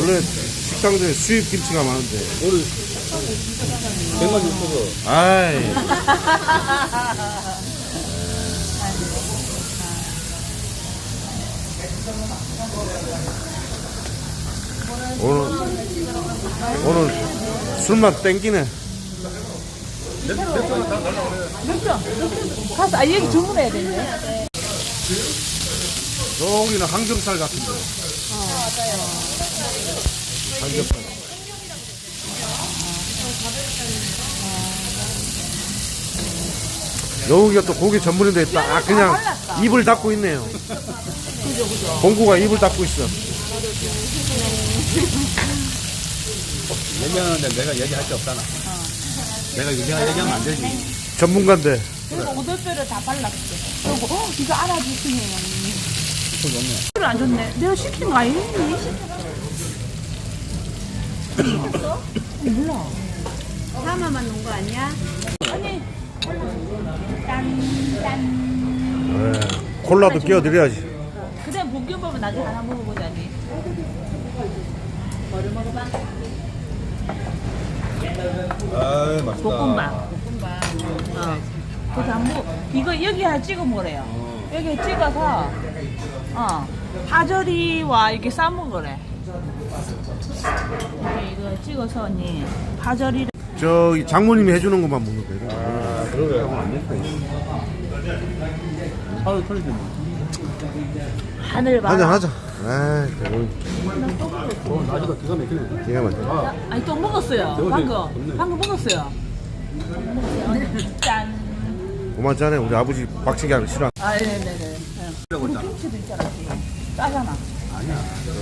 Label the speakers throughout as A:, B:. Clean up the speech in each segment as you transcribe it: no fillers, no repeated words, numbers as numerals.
A: 원래 식당들에 수입 김치가 많은데.
B: 오늘 100만 있어서.
A: 아이. 오늘 술만 땡기네.
C: 맥주 가서 여기 주문해야 되네.
A: 여기는 항정살 같은데.
C: 맞아요.
A: 항정살. 여기가 또 고기 전문인데 딱 그냥 입을 닫고 있네요. 공구가 입을 닫고 있어.
B: 얘기하는데 내가 얘기할 게 없잖아. 내가 얘기하면 안 되지.
A: 전문가인데.
C: 그리고 오돌뼈를 다 발랐어. 그리고 이거 알아주시네요.
B: 손 좋네.
C: 이걸 안 줬네. 내가 시킨 거 아니니? 몰라.
D: 하나만 놓은 거 아니야?
C: 아니. 짠.
A: 네. 콜라도 끼워드려야지.
C: 그래 볶음밥은 나중에 하나 먹어보자니. 뭐를 먹어봐?
B: 아, 맛있다.
C: 볶음밥. 그래서 한번 이거 여기에 찍어 먹으래요. 여기에 찍어서 파절이와 이렇게 싸 먹으래. 이거 찍어서 언니 파절이를.
A: 저기 장모님이 해주는 것만 먹는 거예요.
B: 아, 그러게. 안 됐다. 하루 털리지 뭐.
C: 하늘 봐.
A: 하자 하자. 아이,
B: 나지가 기가 막히네.
A: 기가 막혀.
C: 아니 또 먹었어요. 방금 먹었어요. 짠.
A: 고만 짜네. 우리 아버지 박치기 하는 싫어.
C: 아 네네네. 우리 김치도 있잖아. 짜잖아.
B: 아니야.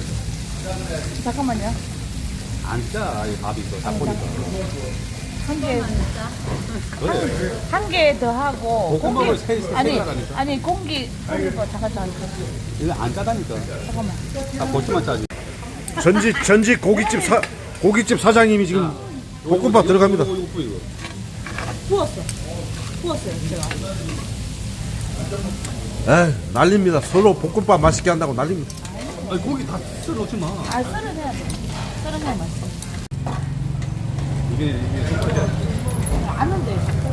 C: 잠깐만요.
B: 안 짜, 이 밥이 이거. 다 보니까.
C: 한 개 더 하고
B: 볶음밥을 세 가라니까.
C: 아니 공기 잠깐
B: 이거 안 짜다니까.
C: 잠깐만.
B: 다 고추만 짜지.
A: 전직 고깃집 사장님이 지금 볶음밥 들어갑니다.
B: 이거.
C: 부었어요 제가.
A: 에이, 난립니다. 서로 볶음밥 맛있게 한다고 난립니다.
B: 아니, 고기 다 썰어 놓지 마.
C: 아 썰은 해야 돼. 썰은 해야 맛있어.
B: 이게
C: 아는데.